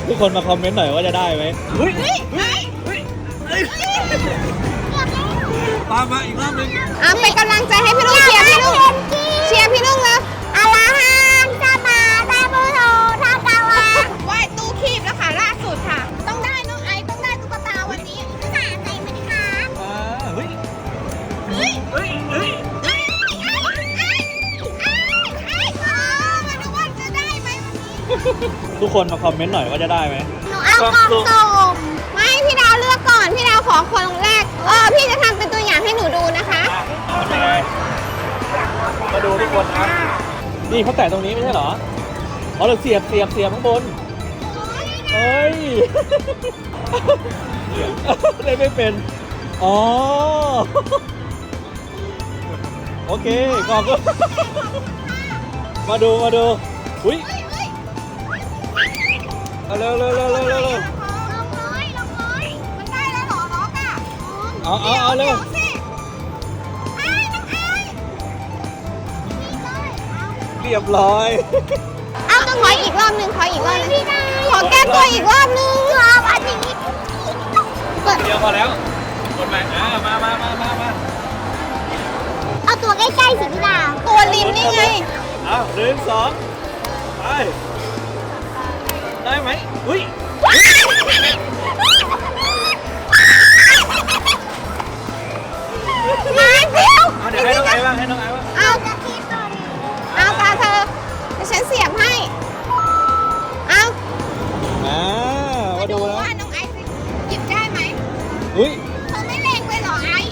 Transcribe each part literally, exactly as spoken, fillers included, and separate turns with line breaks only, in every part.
ทุกคนมาคอมเมนต์หน่อยว่าจะได้ไหมเฮ้ย
เฮ้ยเฮ้ย
เฮ้ยเฮ้ยตามมาอีกรอบนึง
อ่ะเป็นกำลังใจให้พี่ลุงเชียร์พี่ลุงเชียร์พี่ลุงเลยอาลาฮันซาบาซาบูโตทากาวะไหว้ตู้คีบแล้วค่ะล่าสุดค่ะต้องได้น้องไอต้องได้ตุ๊กตาวันนี้ตุ๊กตาใจไหมคะ
อ่าเฮ้ย
เฮ้ย
เฮ้ยเฮ้ย
ไอ้ไอ้ไอ้ไอ้เออมาดูว่าจะได้ไหมวันนี้
ทุกคนมาคอมเมนต์หน่อยว่าจะได้ไหม
หนูเอากล่องสุ่มไม่พี่ดาวเลือกก่อนพี่ดาวขอคนแรกเออพี่จะทำเป็นตัวอย่างให้หนูดูนะคะ
ทำยังไงมาดูทุกคนนะนี่เขาแตะตรงนี้ไม่ใช่เหรออ๋อเราเสียบเสียบเสียบข้างบนเฮ้ยเล่นไม่เป็นอ๋อโอเคกล่องก็มาดูมาดูอุ้ยเอาเร็วเร็วเร็วเร็วเร็วเร็ว
ลงเลยลงเลยมันได้แล้วเหรอล็อกอ่ะ
เอาเอาเอาเร็ว
สิไอ้น้องไอ้
เรียบร้อย
เอาต้องขออีกรอบหนึ่งขออีกรอบหนึงขอแก้ตัวอีกรอบหนึงรอบอันนี้เปิด
เดียวพอแล้วกดใหม่อ่ามามามามามา
เอาตัวใกล้ๆสิพี่ดาวตัวริมนี่ไง
เอาหนึ่งสองไปได้ไหมอุ้ย
มาเดียว
เอาเดี๋ยวให้น้องไอ้บ้างให้น้องไอ้บ้าง
เอาจะคิดก่อนเอาตาเธอเดี๋ยวฉันเสียบให้เอา
อ่ามา
มา
ดู
ดู
แล้ว
ว่าน้องไอซ์หยิบได้ไหม
อุ้ย
เธอไม่เล็งไปหรอไอซ์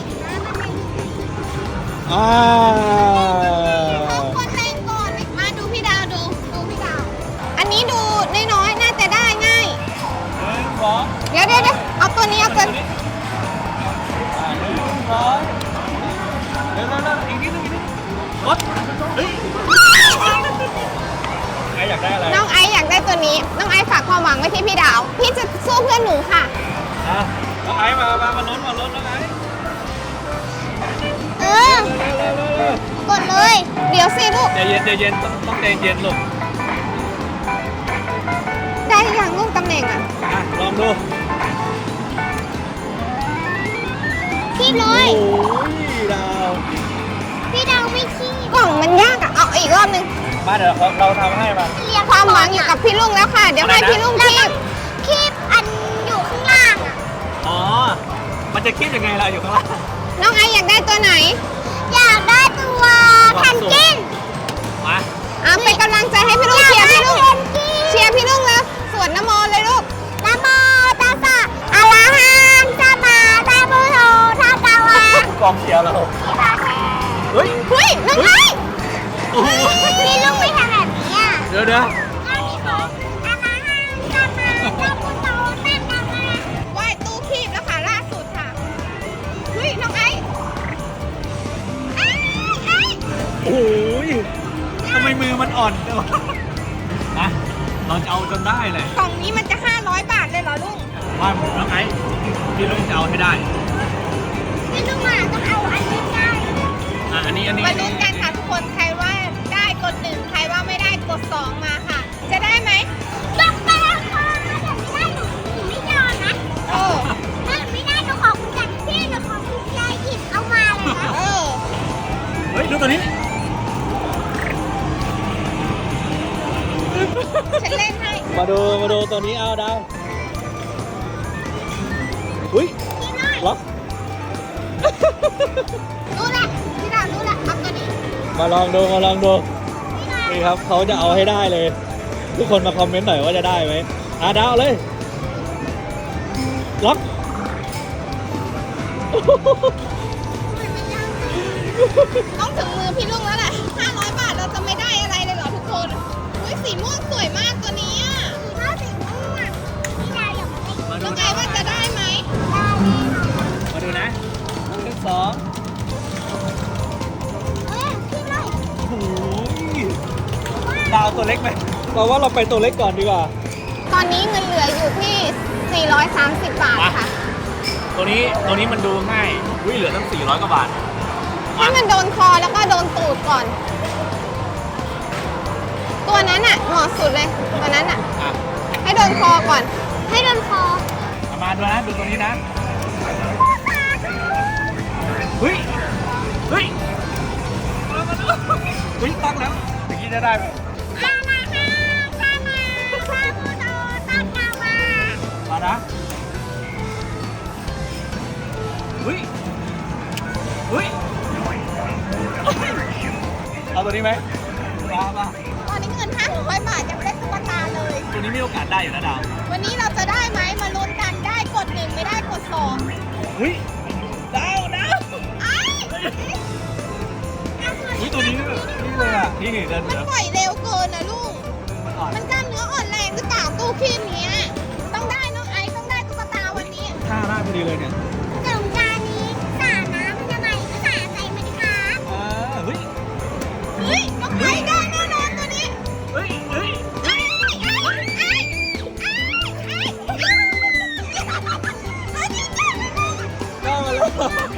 อ่า
เขาคนเล็งก่อนมาดูพี่ดาวดูดูพี่ดาวอันนี้ดูน้อยๆน่าจะได้ง่าย
หนึ่งสอง
เดี๋ยวเดี๋ยวเดี๋ยวเอาตัวนี้เอาตัวนี้
อ่าหนึ่งสองเร็วเร็วเร็วอีกนิดนึงอีกนิดกดเฮ้ยใครอยากได้อะไร
น้องไอซ์อยากได้ตัวนี้ น้องไอซ์ฝากความหวังไว้ที่พี่ดาว พี่จะสู้เพื่อนหนูค่ะ
อ่ะน้องไอ้มามามาลุ้นมาลุ้นน้องไอ้
เออ
เร็วเร็วเร็วเร็ว
กดเลย เดี๋ยวสิลูก
ใจเย็นใจเย็นต้องต้องใจเย็นลูก
ได้ยังลูกตำแหน่งอ่ะ
อ่ะลองดู
พี่เล
โอ้
ย
ยดาว
พี่ดาวไม่ขี้กล่องมันยากอ่ะ เอาอีกรอบหนึง
มาเดี๋ยวเราเราทำให้มา
ความหวังอยู่กับพี่ลุงแล้วค่ะ เดี๋ยวให้พี่ลุงคีบคีบอันอยู่ข้างล่างอ่ะ
อ๋อ มันจะคิดยังไงล่ะอยู่ข้างล่าง
น้องไอซ์อยากได้ตัวไหน อยากได้ตัวแพนกวิน
มา
อ่ะเป็นกำลังใจให้พี่ลุงเชียร์พี่ลุงเชียร์พี่ลุงแล้วสวดนโมเลยลูกนโมตัสสะอะระหังสัมมาสัมพุทโธทากาวะ
กองเชียร์เราเฮ้ย
เฮ้ยน้องไอซ์
โอ้โห
พี่ลุงไม่ทำแบบนี้อ่ะ
เดี๋ยวเดี๋ยว
ไหว้ตู้คีบแล้วค่ะล่าสุดค่ะเฮ้ยน้องไอซ์ไอ้ไอ้
โอ้ยทำไมมือมันอ่อนจังวะนะเราจะเอาจนได้เลย
กล่องนี้มันจะห้าร้อยบาทเลยเหรอลุง
ว่าน้องไอ้พี่ลุงจะเอาให้ได้
พี่ลุงอ่ะต้องเอาอันนี้ได้
อ่ะอันนี้อันนี้
มาลุ้นกันค่ะทุกคนใครว่าได้กดหนึ่งใครว่าไม่ได้กดสองมาค่ะ จะได้ไหมยกไปแล้วค่ะถ้าเกิดไม่ได้หนูหนูไม่ยอมนะเออถ้าไม่ได้หนูขอคุณจัดที่หนูขอคุณยายหยิบเอามาเลยนะเออ
เฮ้ยดูตัวนี้
ฉันเล่นให้
มาดูมาดูตัวนี้เอาดาวอุ้ย
พี่น้อย
ล็อก
รู้ละพี่ดาวรู้ละเอาตัวนี้
มาลองดูมาลองดู
พี่น้อย
นี่ครับเขาจะเอาให้ได้เลย ทุกคนมาคอมเมนต์หน่อยว่าจะได้ไหมอ่ะดาวเลยล็อก
ต้องถึงมือพี่ลุงแล้วแหละห้าร้อยบาทเราจะไม่ได้อะไรเลยเหรอทุกคนอุ้ยสีม่วงสวยมากตัวนี้อ่ะถ้าสีม่วงพี่ดาวอยากมาเล่น
มาดู
น้องไอ
นะ
ว่าจะได้ไหม
มาดูนะหนึ่งสอง
เออพี่น้อย
โอ้ยดาวตัวเล็กไหมเราว่าเราไปตัวเล็กก่อนดีกว่า
ตอนนี้เงินเหลืออยู่ที่สี่ร้อยสามสิบบาทค่ะ
ตัวนี้ตัวนี้มันดูง่ายอุ้ยเหลือตั้งสี่ร้อยกว่าบาท
ให้มันโดนคอแล้วก็โดนตูดก่อน ตัวนั้นอ่ะเหมาะสุดเลยตัวนั้นอ่ะ
อ่ะ
ให้โดนคอก่อน ให้โดนคอ
เอามาดูนะดูตรงนี้นะเฮ้ยเฮ้ยเฮ้ยตั้งแล้วอย่างนี้จะได้ไหม
มามาค่ะมามาพาผู้โตต้นกามา
มานะเฮ้ยเฮ้ยเอาตัวนี้ไหมมามา
ตอนนี้เงินห้าร้อยบาทยังไม่ได้ตุ๊กตาเลย
ตัวนี้มีโอกาสได้อยู่นะดาว
วันนี้เราจะได้ไหมมาลุ้นกันได้กดหนึ่งไม่ได้กดสอง
เฮ้ยดาวดาว
ไอ้
เฮ้ยตัวนี้นี่เลยอ่ะนี่เดิน
มัน
เสือ
ปล่อยเร็วเกินนะลูก
มันอ่อน
มันกล้ามเนื้ออ่อนแรงหรือเปล่าตู้คีบเนี้ยต้องได้น้องไอซ์ต้องได้ตุ๊กตาวันนี้
ท่าได้พอดีเลยเนี่ย
สงกรานต์นี้สาดน้ำทำไมก็สาดใส่มันคะ
อ่าเฮ้ย
เฮ้ยน้องไอซ์ได้แน่นอนตัวนี้
เฮ้ยเฮ้ย
ไอ้ไอ้ไอ้ไอ้ไอ้
ได้มาแล้ว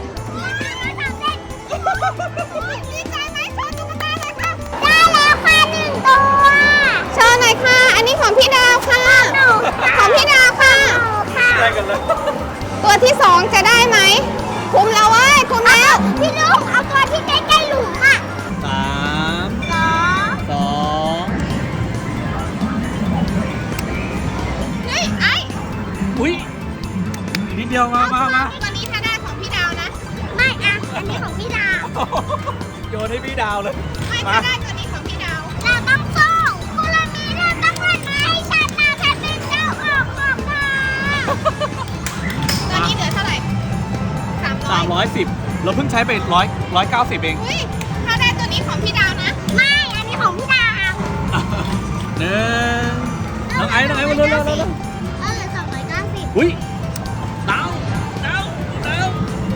ดีใจไหมโชว์ตุ๊กตาหน่อยค่ะได้แล้วค่ะหนึ่งตัวโชว์หน่อยค่ะ อันนี้ของพี่ดาวค่ะของพี่ดาวค่ะ
ได้กันเลย
ตัวที่สองจะได้ไหมคุมแล้วเว้ยคุมแล้วพี่ลุงเอาตัวที่ใกล้ๆหลุมอ่ะ
สาม
สอง
สอง
เฮ้ยไอ้
อุ้ยอีกนิดเดียวมามามา
ตัวนี้ถ้าได้ของพี่ดาวนะ ไม่อ่ะอันนี้ของพี่ดาว
โยนให้พี่ดาวเลย
ไม่
มา
ถ้าได้ตัวนี้ของพี่ดาวเราต้องสู้คุณละมีเราต้องวันไหมชาติหน้าแผ่นดินเจ้าออกออกมาตัวนี้เหลือเท่าไหร่สามร้
สา
อย
มร้อยสิบเราเพิ่งใช้ไปร้อยร้อยเก้าสิบเอง
อุ้ยถ้าได้ตัวนี้ของพี่ดาวนะ ไม่ อันนี้ของพี่ดาว
หนึ่งน้องไอ้น้องไอ้มาเร็วเร็วเร็วเร็ว
ก็เหลือสองร้อยเก้าสิบ
อุ้ยดาวดาวดาว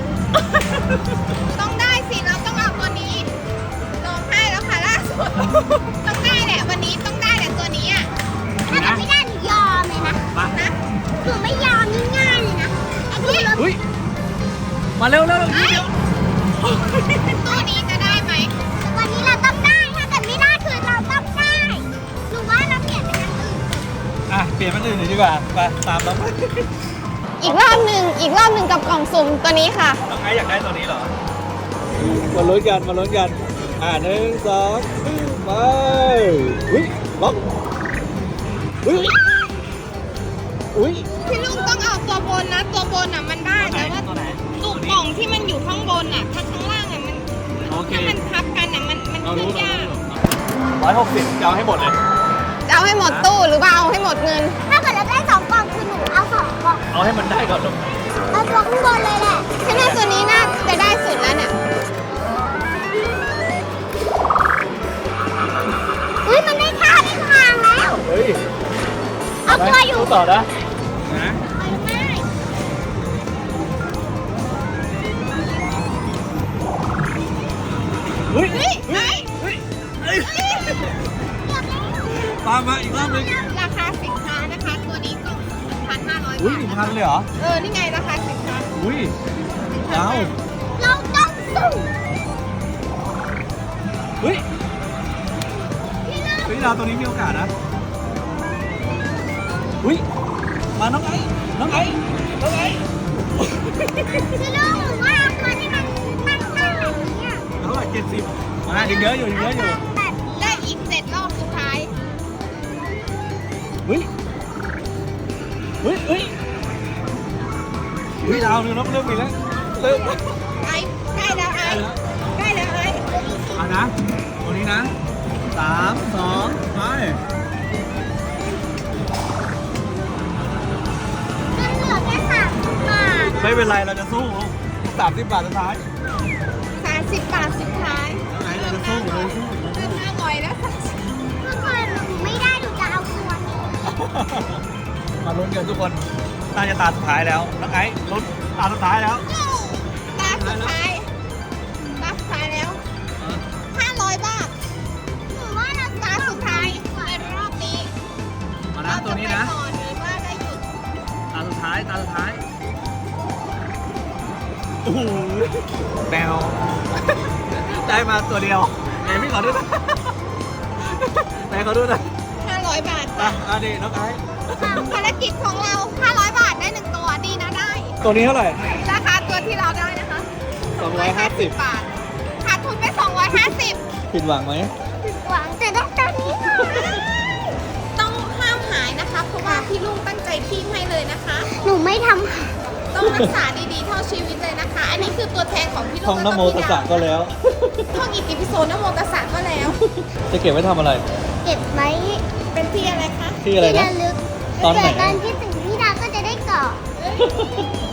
ต้องได้สิ เราต้องเอาตัวนี้ร้องไห้แล้วค่ะล่าสุด ต้องได้แหละวันนี้ต้องได้แหละตัวนี้อ่ะ ถ้าเกิดไม่ได้หนูยอมเลยนะ
มา
นะหนูไม่ยอมง่ายๆเลยนะไอ้ที่รถ
อุ้ยมาเร็วเร็วเร็ว
ไอ้ตัวนี้จะได้ไหมวันนี้เราต้องได้ ถ้าเกิดไม่ได้คือเราต้องได้หนูว่าเราเปลี่ยนเป็นอย่างอื่น
อ่ะเปลี่ยนเป็นอื่นเลยดีกว่าไปตามเราไป
อีกรอบหนึ่งอีกรอบหนึ่งกับกล่องสุ่มตัวนี้ค่ะ
น้องไอ้อยากได้ตัวนี้เหรอมาลุ้นกันมาลุ้นกันอ่าหนึ่งสองไปอุ้ยล็อกอุ้ยอุ้ย
พี่ลุงต้องเอาตัวบนนะ ตัวบนอ่ะมันได้แต่ว่า
ตัวไหน
ตุกกล่องที่มันอยู่ข้างบนอ่ะถ้าข้างล่างอ่ะมัน
โอเค
ถ้ามันทับกันอ่ะมันมัน
เรา
ขึ้
รู้
นยาก
ร้อยหกสิบจะเอาให้หมดเลย
จะเอาให้หมดตู้หรือว่าเอาให้หมดเงิน ถ้าเกิดเราได้สองกล่องคือหนูเอาสองกล่อง
เอาให้มันได้ก่อนลูก
เอาตัวข้างบนเลยแหละฉันว่าตัวนี้น่าจะได้สุดแล้วเนี่ยเฮ้ยมันได้ท่าได้ทางแล้ว
เฮ้ย
เอาตัวอยู่
ต่อนะนะ
ไปไม่
เฮ้ย
เฮ้ยไอ้
เฮ้ยเฮ้ย
เกือบแล้ว
มามาอีกรอบหนึง
ราคาสินค้านะคะ ตัวนี้กล่องพันห้าร้อย
อุ้ย
บาท
หนึ่งพันเลยเหรอ
เออ นี่ไงราคาสินค้า
อุ้ยดาว
เราต้องสู้
เฮ้ย
พี่ลุง
เฮ้ยดาวตัวนี้มีโอกาสนะอุ้ยมาน้องไอ้น้องไอ้น้องไอ้
พี่ลุงหนูว่าเอาตัวที่มันตั้งตั้งแบบนี้อ่ะ
เท่าไหร่เจ็ดสิบมายังเยอะอยู่ยังเยอะอยู่
แบบได้อีกเจ็ดรอบสุดท้าย
เฮ้ยเฮ้ยเฮ้ยเฮ้ยดาวเริ่มเริ่มมีแล้วเริ่ม
ไอ้ใกล้แล้วไอ้ใกล้แล้วไอ้
เอานะตัวนี้นะสามสองไป
มันเหลือแค่สามสิบบาท
ไม่เป็นไรเราจะสู้สามสิบบาทสุดท้าย
สามสิบบาทสุดท้าย
ไหนเราจะสู้เราจะสู้
เริ่มห้าร้อยแล้วสามสิบถ้าเกิดหนูไม่ได้หนูจะเอาตัวนี้
มาลุ้นกันทุกคนน่าจะตาสุดท้ายแล้วน้องไอ้ลุ้นตาสุดท้ายแล้ว
ตาสุดท้ายตาสุดท้ายแล้วห้าร้อยบาทหนูว่าเราตาสุดท้ายในรอบนี้
มานะตัวนี้นะ
เราจไปก่อนหรือว่าได้หยุด
ตาสุดท้ายตาสุดท้ายโอ้โหแมวได้มาตัวเดียวไหนพี่ขอดูหนะไหนขอดูหนะ
ห้าร้อยร้อยบาท
อ่ะ
ค่ะ
อ่ะดิน้องไอซ์
ภารกิจของเราห้าร้อยบาทได้หนึ่งตัวดีนะได้
ตัวนี้เท่าไหร่
ราคาตัวที่เราได้นะคะ
สองร้อยห้าสิบ
บาทขาดทุนไปสองร้อยห้าสิบ
ผิดหวังไหม
ผิดหวังแต่ได้ตัวนี้ค่ะต้องห้ามหายนะคะ เพราะว่าพี่ลุงตั้งใจคีบให้เลยนะคะ หนูไม่ทำต้องรักษาดีๆเท่าชีวิตเลยนะคะ อันนี้คือตัวแทนของพี่ลุง
ท่องนโมตัสสะก็แล้ว
ท่องอิติปิโสนโมตัสสะก็แล้ว
จะเก็บไว้ทำอะไร
เก็บไว้เป็นที่อะไรคะ
ที่อะไรนะ
ที่ระลึก
ตอนไหน
เกิดตอนที่ถึงพี่ดาก็จะได้เกาะ